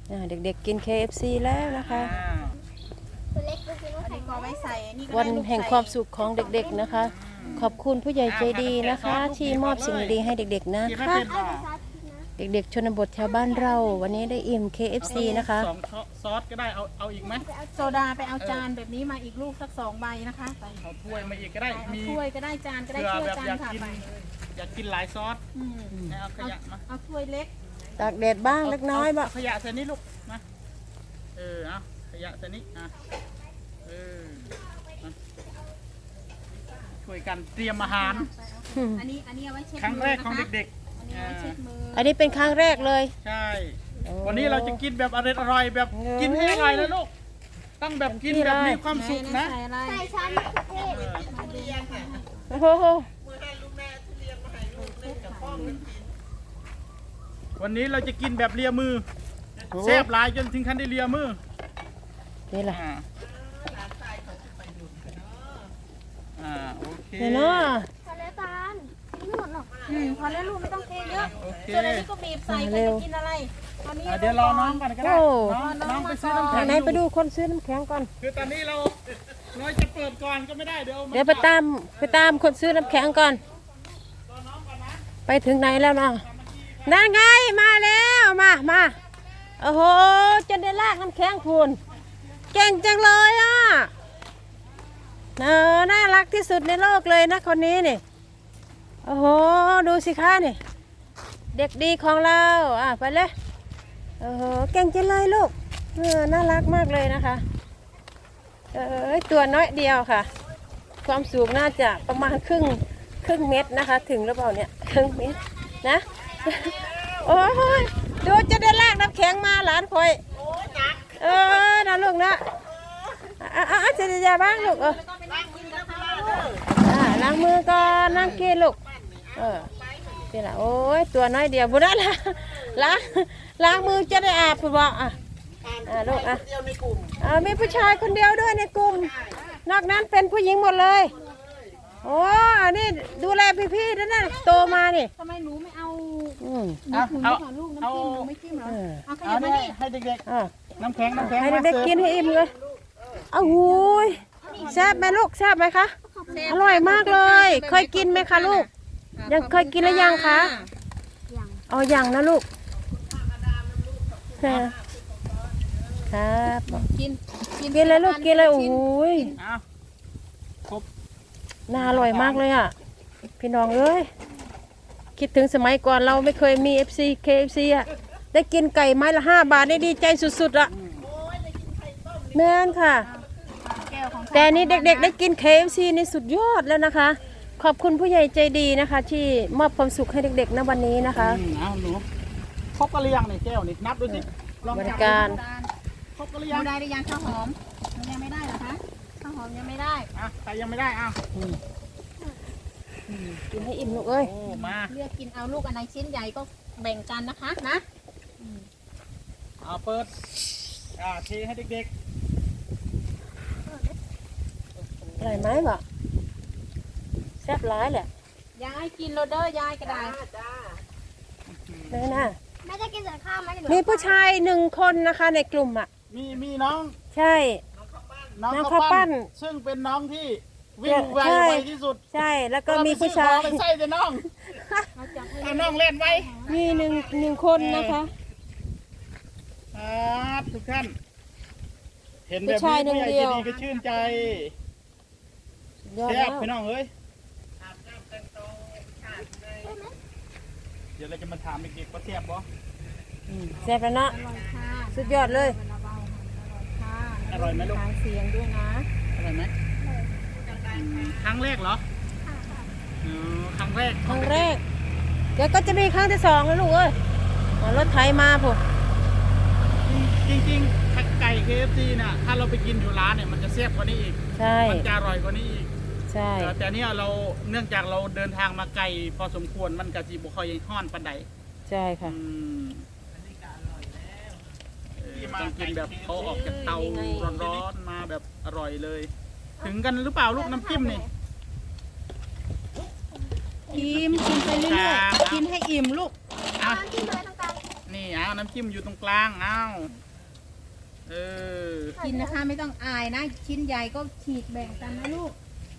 เด็กๆกิน KFC แล้วนะคะวันแห่งความสุขของเด็กๆนะคะขอบคุณผู้ใหญ่ใจดีนะคะที่มอบสิ่งดีๆให้เด็กๆนะคะเด็กๆชนบทแถวบ้านเราวันนี้ได้อิ่ม KFC นะคะซอสก็ได้เอาอีกไหมโซดาไปเอาจานแบบนี้มาอีกลูกสัก2 ใบนะคะเอาถ้วยมาอีกก็ได้มีถ้วยก็ได้จานก็ได้ถ้วยจานค่ะอยากกินหลายซอสเอาขยะมาเอาถ้วยเล็กตากแดดบ้างเล็กน้อยบ้างขยะใส่นี่ลูกมาเอาขยะใส่นี่ช่วยกันเตรียมอาหารอันนี้เอาไว้เช็ดครั้งแรกของเด็กๆอันนี้เป็นครั้งแรกเลยใช่วันนี้เราจะกินแบบอร่อยแบบกินให้อร่อยนะลูกต้องแบบกินแบบมีความสุขนะใส่ชั้นโอ้โหวันนี้เราจะกินแบบเลียมือแซ่บหลายจนถึงขั้นได้เลียมือนี่แหละโอเคเนาะพอแล้วตาลไม่หมดหรอกพอแล้วลูกไม่ต้องเทเยอะส่วนอันนี้ก็บีบใส่ไปจะกินอะไรตอนนี้เดี๋ยวรอน้องก่อนก็ได้น้องไปซื้อน้ำแข็งไหนไปดูคนซื้อน้ำแข็งก่อนคือตอนนี้เราจะเปิดก่อนก็ไม่ได้เดี๋ยวไปตามคนซื้อน้ำแข็งก่อนไปถึงไหนแล้วเนาะนั่นไงมาแล้วมาโอ้โหจะได้ลากน้ำแข็งพูนเก่งจังเลยอ่ะน่ารักที่สุดในโลกเลยนะคนนี้นี่โอ้โหดูสิคะนี่เด็กดีของเราไปเลยโอ้โหเก่งจังเลยลูกน่ารักมากเลยนะคะตัวน้อยเดียวค่ะความสูงน่าจะประมาณครึ่งเมตรนะคะถึงหรือเปล่าเนี่ยครึ่งเมตรนะโอ้ยดูจะได้ลากน้ำแข็งมาหลานคอยนะลูกนะจะยาบ้างลูกล้างมือก่อนนั่งกินลูกนี่แหละโอ้ยตัวน้อยเดียวบุญได้ละล้างมือจะได้อาบคุณบอกลูกมีผู้ชายคนเดียวด้วยในกลุ่มนอกนั้นเป็นผู้หญิงหมดเลยโอ้นี่ดูแลพี่ๆนั่นโตมานี่ทำไมหนูไม่เอาลูกเอาไม่จิ้มเหรอเอาให้เด็กๆน้ำแข็งให้เด็กๆกินให้อิ่มเลยอ้าวหูยแซ่บไหมลูกแซ่บไหมคะอร่อยมากเลยเคยกินไหมคะลูกยังเคยกินหรือยังคะยังนะลูกครับกินเลยลูกกินเลยโอ้ยน่าอร่อยมากเลยอ่ะพี่น้องเอ้ยคิดถึงสมัยก่อนเราไม่เคยมี KFC อ่ะได้กินไก่ไม้ละ5 บาทได้ดีใจสุดๆอ่ะแม่นค่ะแต่นี่เด็กๆได้กิน KFC นี่สุดยอดแล้วนะคะขอบคุณผู้ใหญ่ใจดีนะคะที่มอบความสุขให้เด็กๆณวันนี้นะคะเอาหนูครบกันหรือยังนี่แก้วนี่นับดูสิบริการครบกันหรือยังได้หรือยังข้าวหอมยังไม่ได้เหรอคะข้าวหอมยังไม่ได้ใครยังไม่ได้กินให้อิ่มลูกเอ้ยมาเลือกกินเอาลูกอันไหนชิ้นใหญ่ก็แบ่งกันนะคะนะเปิดเทให้เด็กอร่อยไหมบ่แซ่บร้ายแหละยายกินโรเดอร์ยายกระดาษเลยนะแม่จะกินแต่ข้าวไหมมีผู้ชาย1 คนนะคะในกลุ่มมีน้องใช่น้องข้าวปั้นซึ่งเป็นน้องที่วิ่งไวที่สุดใช่แล้วก็มีผู้ชายใส่แต่น้องน้องเล่นไวมีหนึ่งคนนะคะทุกท่านเห็นแบบนี้ผู้ใหญ่ใจดีก็ชื่นใจแซ่บพี่น้องเอ้ยเดี๋ยวเราจะมาถามเด็กๆว่าแซ่บบ่แซ่บแล้วเนาะสุดยอดเลยอร่อยไหมลูกเสียงด้วยนะอร่อยไหมครั้งแรกเหรอครั้งแรกเดี๋ยวก็จะมีครั้งที่2แล้วลูกเอ้ยรถไถมาผมจริงๆไก่ KFC น่ะถ้าเราไปกินอยู่ร้านเนี่ยมันจะแซ่บกว่านี้อีกมันจะอร่อยกว่านี้อีกใช่แต่เนี้ยเราเนื่องจากเราเดินทางมาไกลพอสมควรมันกะจีบุคอยห้อนปันใดใช่ค่ะต้องกินแบบเขาออกจากเตาร้อนๆมาแบบอร่อยเลยถึงกันหรือเปล่าลูกน้ำจิ้มนี่อิ่มกินไปเรื่อยๆกินให้อิ่มลูกนี่เอาน้ำจิ้มอยู่ตรงกลางเอาเออกินนะคะไม่ต้องอายนะ ชิ้นใหญ่ก็ฉีกแบ่งกันนะลูก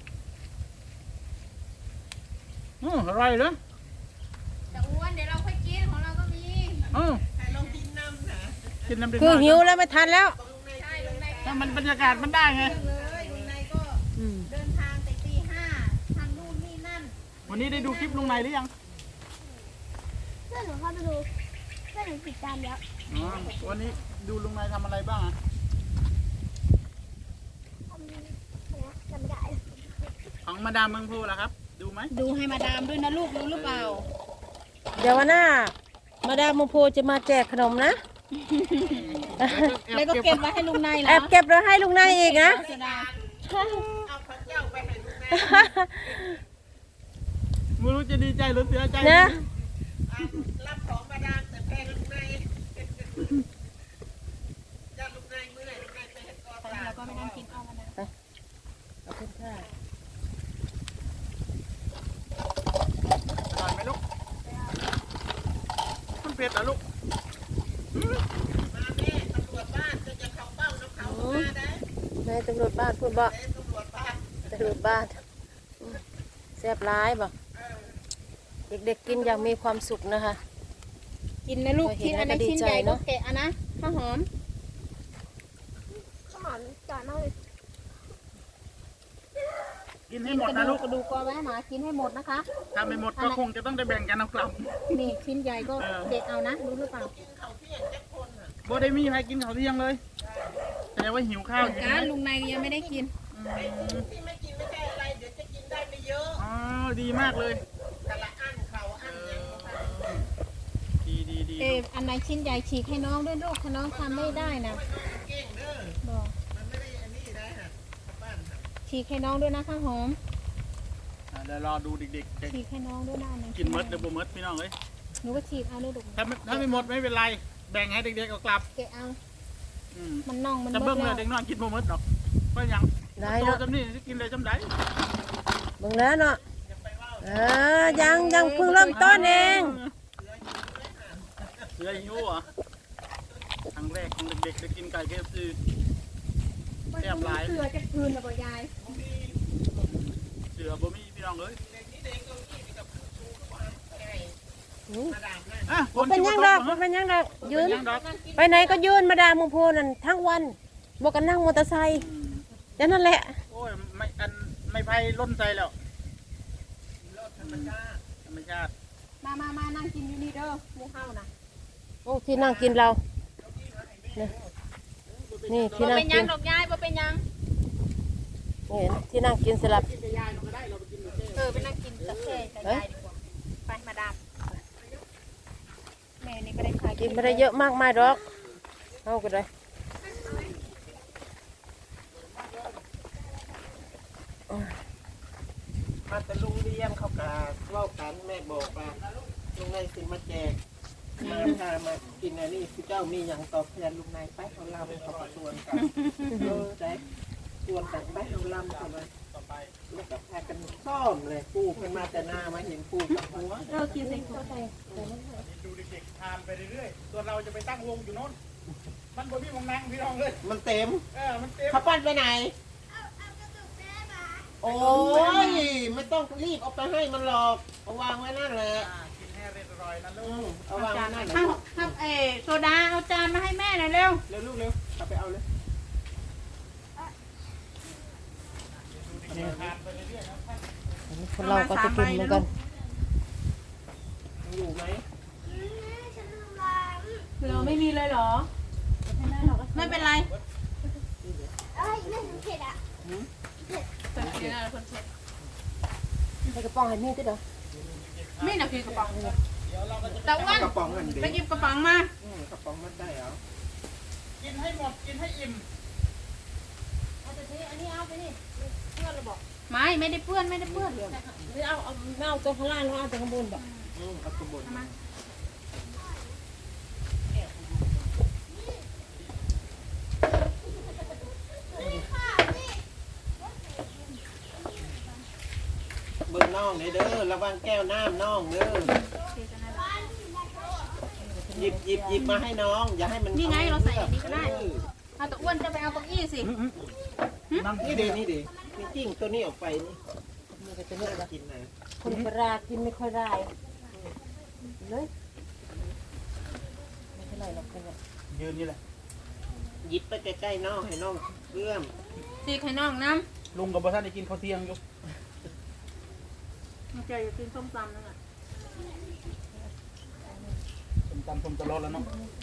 อร่อยเลยแต่อ้วนเดี๋ยวเราค่อยกินของเราก็มีกินน้ำเด็กคือหิวแล้วไม่ทันแล้วใช่ลุงนายถ้ามันบรรยากาศมันได้ไงเลยลุงนายก็อืมเดินทางแต่ตี 5ทำนู่นนี่นั่นวันนี้ได้ดูคลิปลุงในหรือยังเพื่อนหนูเข้าไปดูเพื่อนหนูติดตามแล้วอ๋อวันนี้ดูลุงในทำอะไรบ้างอะทำอะไรนะจำไม่ได้ของมาดามเมืองพูล่ะครับ ดูไหมดูให้มาดามด้วยนะลูกรู้หรือเปล่าเดี๋ยววันหน้า มาดามโมโพจะมาแจกขนมนะแล้วก็เก็บไว้ให้ลุงนายเหรแออบเก็บแล้วให้ลุงนายอีกนะเสียดายไม่รู้จะดีใจหรือเสียใจนะรับของมาดามแต่แพงลูกในจะลูกในเมื่อไหร่ลูกในไปเห็นกอตาเราก็ไม่นั่งกินเอามานะขอบคุณค่ะอร่อยไหมลูกมันเผ็ดเหรอลูกมาแม่ตำรวจบ้านจะเข้าเป้าน้ำเขามาได้นายตำรวจบ้านพูดบ่ตำรวจบ้านตำรวจบ้านแซ่บร้ายบ่เด็กๆกินอย่างมีความสุขนะคะกินนะลูกพอเห็นชิ้นอันนั้นแล้วก็ดีชิ้นใจใหญ่ก็เนอะแกะอะนะข้าวหอมข้าวหอมจอดมากเลยกินให้กินหมดกระนะดูลูกกกระดูกก็ไว้ให้หมากินให้หมดนะคะถ้าไม่หมดก็คงจะต้องได้แบ่งกันเอากลับนี่ชิ้นใหญ่ก็เด็กเอานะรู้หรือเปล่าบ่ได้มีใครกินข้าวเที่ยงเลยแสดงว่าหิวข้าวอยู่กาใช่รไหมลุงนายยังไม่ได้กินที่ไม่กินไม่ใช่อะไรเดี๋ยวจะกินได้ไม่เยอะอ๋อดีมากเลยแต่ละอันเขาอันยังดีเอออันไหนชิ้นใหญ่ฉีกให้น้องด้วยลูกถ้าน้องทำไม่ได้นะเก่งเด้อบอกมันไม่ได้อันนี้ได้ฮะบ้านฮะฉีกให้น้องด้วยนะข้าวหอมเดี๋ยวรอดูเด็กๆจะฉีกให้น้องด้วยนะอันไหนกินเมดหรือบ่เมดพี่น้องเอ้ยหนูก็ฉีกเอาด้วยลูกถ้าไม่หมดไม่เป็นไร แบ่งให้เด็กๆเอากลับแกะเอาอืมมันน่องมันจะเบิเบิ่ดงเลแล้ยว เด็กน้อยกินบ่เมดหรอกก็ยังได้โตเนาะจำนี่จะกินเลยจำได้เบิ่งแล้วเนาะยังเพิ่งเริ่มต้นเองเสือหิวเหรอครั้งแรกของเด็กๆได้กินไก่KFC แซ่บหลายเสือจะคืนหรือเปล่ายายเสือบ่มีพี่น้องเอ้ย อ่ะบ่เป็นหยังดอกบ่เป็นหยังดอกยืนเป็นหยังดอกไปไหนก็ยืนมาดามโมโพนั่นทั้งวันบอกกันนั่งมอเตอร์ไซค์อืมอย่างนั้นแหละโอ้ยไม่ไพ่ล้นใจแล้วธรรมชาติมานั่งกินอยู่นี่เด้อหมูเฮานะโอ้ที่นั่งกินเราเนี่ยนี่ที่บ่นั่งเป็นหกิยังนดอกยายบ่เป็นหยังนี่ที่นั่งกินสลับไปนั่งกินกาแฟกับยายดีกว่าไปมาดามแม่นี่ก็ได้ขายกินไม่ได้เยอะมากมายหรอกเอาก็ได้มาแต่ลุงเลี้ยงเขากาเล่ากันแม่บอกว่าลุงในสิมาแจกมาพามากินอันนี้พี่เจ้ามีอย่างตอบแทนลุงในไปของเราเขาประชวนกันได้ชวนกันไปของลำเข้ามาแล้วก็พากันซ่อมเลยปูเป็นมาแต่หน้ามาเห็นปูกับหัวเรากินใส่เข้าไปดูเด็กๆทานไปเรื่อยๆส่วนเราจะไปตั้งวงอยู่โน่นมันบ่มีวงนั่งพี่น้องเลยมันเต็มมันเต็มเขาปั้นไปไหนโอ้ยไม่ต้องรีบเอาไปให้มันหรอกเอาวางไว้นั่นแหละกินให้เรียบร้อยนะลูอืมกเอาวางไว้นั่นแหละครับโซดาเอาจานมาให้แม่หน่อยเร็วเร็วลูกเร็วเอาไปเอาเลยคนเราก็จะกินเหมือนกันยังอยู่ไหมเราไม่มีเลยเหรอไม่เป็นไรเอ้ยไม่ถึงเผ็ดอ่ะใส่กระป๋องให้มีติดเหรอไม่น่ะคือกระป๋องแต่อ้วนกระป๋องกันดิไปหยิบกระป๋องมากระป๋องมันได้เหรอกินให้หมดกินให้อิ่มไม่ได้เปื้อนไม่ได้เปื้อนหรือเอาตัวข้างล่างแล้วเอาตัวข้างบนแบบเอากระบนเบิ่งน่องเด้อระวังแก้วน้ำน่องเด้อหยิบมาให้น้อง อย่าให้มันนี่ไงเราใส่อันนี้ก็ได้เอาแต่อ้วนจะไปเอาเก้าอี้สินั่งนี่เดนี่จิ้งตัวนี้ออกไปนี่นี่ก็จะเลือกว่ากินนะคนปลากินไม่ค่อยได้เลยไม่เท่าไหร่หรอกเป็นแบบยืนนี่แหละหยิบไปใกล้ๆน้องให้น้องเอื้อมสีไข่น่องน้ลุงกับพ่อท่านได้กินข้าวเที่ยงอยู่ำมันจะกินส้มตำนั่นแหละผมตำผมตลอดแล้วเนาะ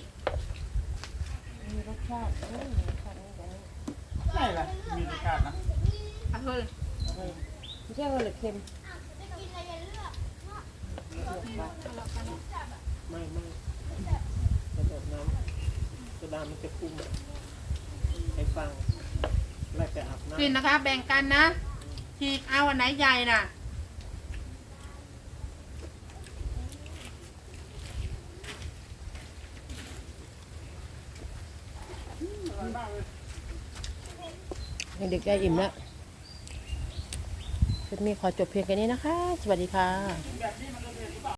มีรสชาติมีรสชาตินี่แบบนี้ใช่ละมีรสชาตินะอ่ะเฮ้ยไม่ใช่ว่าเหลือเค็มไม่ระดับน้ำกระดานมันจะพุ่งให้ฟังไล่ไปอาบน้ำกินนะคะ แบ่งกันนะฉีกเอาอันไหนใหญ่น่ะเด็กๆได้อิ่มแล้วคลิปนี้ขอจบเพียงแค่นี้นะคะ สวัสดีค่ะแบบนี้มันก็